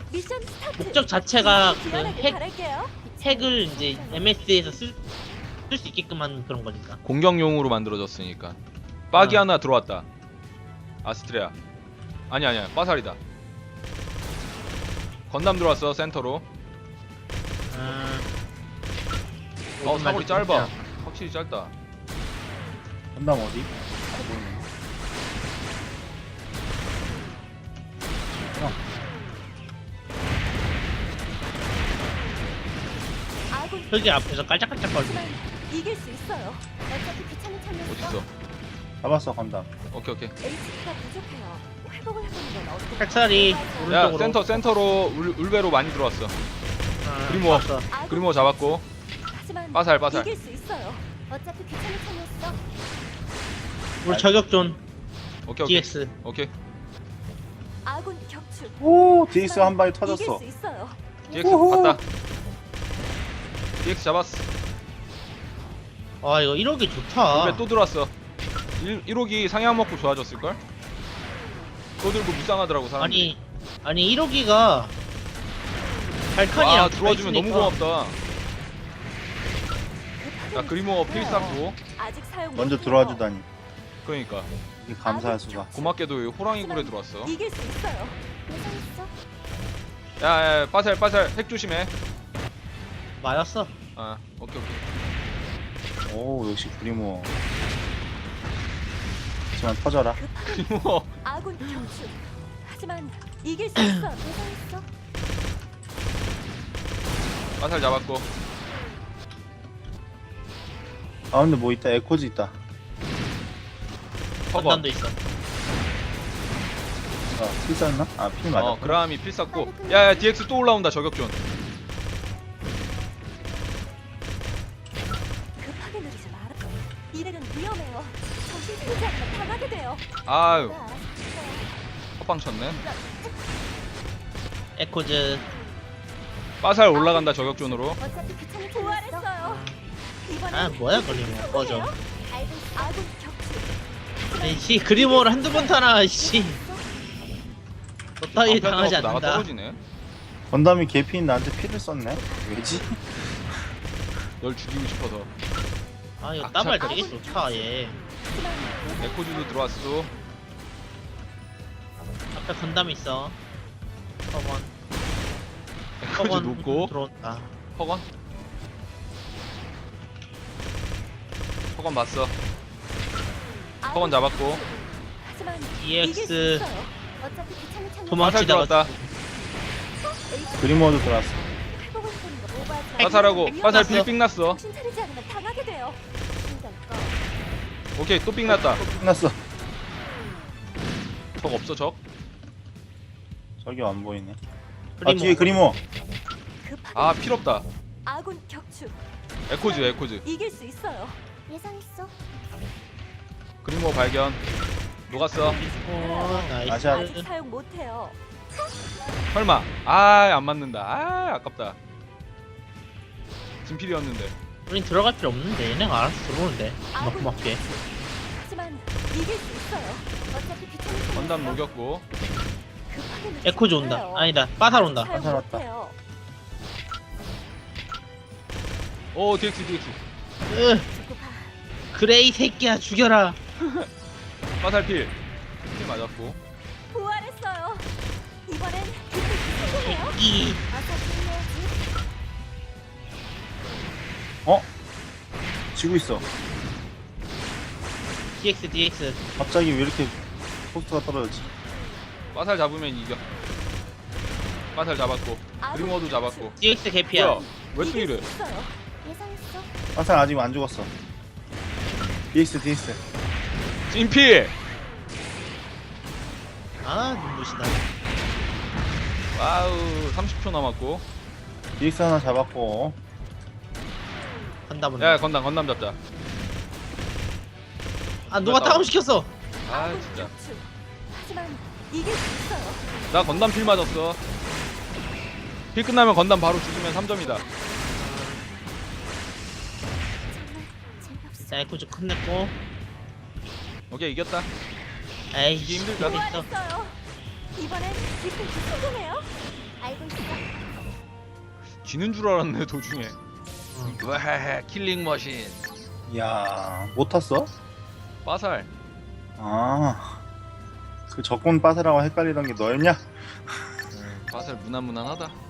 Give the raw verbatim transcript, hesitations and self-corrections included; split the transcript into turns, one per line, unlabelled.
미션 스타트.
목적 자체가 그
지원하길
핵,
바랄게요.
핵을 이제 엠에스에서 쓸 수 있게끔 한 그런 거니까.
공격용으로 만들어졌으니까. 빠기
어.
하나 들어왔다. 아스트레아. 아니 아니야. 빠살이다. 건담 들어왔어 센터로.
아,
어 사거리 짧아. 확실히 짧다.
건담 어디? 아 보이네.
아군
흙이 앞에서 깔짝깔짝거리고.
하지만 이길 수 있어요. 어차피 귀찮은 참이었어.
어딨어?
잡았어 건담.
오케이 오케이.
에이치피가 부족해요. 회복을 해보는 건 어떨까요?
핵살이
야
오른쪽으로.
센터 센터로 울, 울베로 많이 들어왔어.
아,
그리모.
왔어.
아군
그리모 잡았고.
하지만
빠살 빠살.
이길 수 있어요. 어차피 귀찮은 참이었어.
우리 저격존
오케이 오케이.
디엑스.
오케이.
아군 격추.
오 디엑스 한 방에
이길
터졌어.
수 있어요.
디엑스
우후.
봤다. 디엑스 잡았어.
아 이거 일억이 좋다.
울베 또 들어왔어. 일, 일호기 상향 먹고 좋아졌을걸? 또 들고 무쌍하더라고 사람들이.
아니 아니 일억이가 발칸이랑
와 들어와주면 너무 고맙다. 야 그리모 필살고.
아직 사용
먼저
못해요.
들어와 주다니.
그러니까
이게 감사할 수가.
고맙게도 호랑이 굴에 들어왔어.
이길 수 있어요. 예상했어?
야야 빠살 빠살 핵 조심해.
맞았어.
아 오케이 오케이.
오 역시 그리모. 하지만 터져라.
그리모
아군 격추. 하지만 이길 수 있어. 예상했어?
빠살 잡았고.
아 근데 뭐 있다. 에코즈 있다.
커버.
건담도 있어.
아 필살나? 아필 맞아.
어 그라함이 필살고. 야야 디엑스 또 올라온다 저격존.
급하게 누르지 마라. 이래는 위험해요. 정신 차리지 않으면 당하게 돼요.
아유
나
헛방 쳤네.
에코즈.
빠살 올라간다 저격존으로.
어차피 귀찮은 부활했어요. 이번엔
아 뭐야 그리모. 꺼져.
아군 격추.
씨 그리모를 한두 번 타나 씨. 너 따위 당하지
나가
않는다.
떨어지네.
건담이 개피인 나한테 피를 썼네. 왜지?
널 죽이고 싶어서.
아 이거
악착.
따발 되게 좋다 얘.
에코즈도 들어왔어.
앞에 건담 있어. 허건.
에코즈 놓고
들어온다.
허건. 허건 봤어. 허건 잡았고.
하지만
디엑스.
이길 수 있어요. 어차피 귀찮은 참이었어.
도망-
빠살 들어왔다.
그리모도 들어왔어.
회복을 해보는 거 오버하지 마.
빠살하고
위험해.
빠살 빌빙 났어.
정신 차리지 않으면 당하게 돼요. 신경 꺼.
오케이 또 빙 났다.
끝났어.
적 없어 적.
저기 안 보이네. 아
그리모.
뒤에 그리모.
급하게
아 필요 없다.
아군 격추.
에코즈 에코즈.
이길 수 있어요. 예상했어?
그리모 발견. 녹았어.
오, 나이스.
아시아.
아직 사용 못해요.
설마. 아 안 맞는다. 아 아깝다. 진필이었는데.
우린 들어갈 필요 없는데 얘네가 알아서 들어오는데. 막 고맙게.
하지만 이길 수 있어요. 어차피 귀찮은 참이었어.
건담 녹였고.
급하게 누르지
에코즈 온다.
말아요.
아니다. 빠살 온다.
사용
빠살 왔다.
못해요.
오 디엑스 디엑스.
으,
조급하.
그레이 새끼야 죽여라.
빠살 필. 필 맞았고.
부활했어요. 이번엔 기쁜 성공해요.
이
어차피 해야지.
어? 지고 있어.
디엑스 디엑스.
갑자기 왜 이렇게 포스트가 떨어졌지?
빠살 잡으면 이겨. 빠살 잡았고. 그리모도 잡았고.
디엑스 개피야.
뭐야? 왜 또
이길
이래?
수 있어요. 예상했어?
화살 아직 안 죽었어. 디엑스 디엑스.
찐필.
아 눈부시다.
와우 삼십 초 남았고.
디엑스 하나 잡았고.
건담
야
온다.
건담 건담 잡자.
아 누가 다운 시켰어.
아
아군
진짜.
격추. 하지만 이길 수 있어요.
나 건담 필 맞았어. 필 끝나면 건담 바로 죽으면 삼 점이다.
정말 재미없어.
자 에코즈 끝냈고.
오케이 이겼다.
에이
이게 힘들다.
있어.
부활했어요. 이번엔 기쁜 성공해요. 알고 있어.
지는 줄 알았네 도중에.
응.
와헤헤 킬링 머신.
야, 못 탔어?
빠살.
아, 그 적군 빠세라고 헷갈리던 게 너였냐?
네, 빠살 무난무난하다.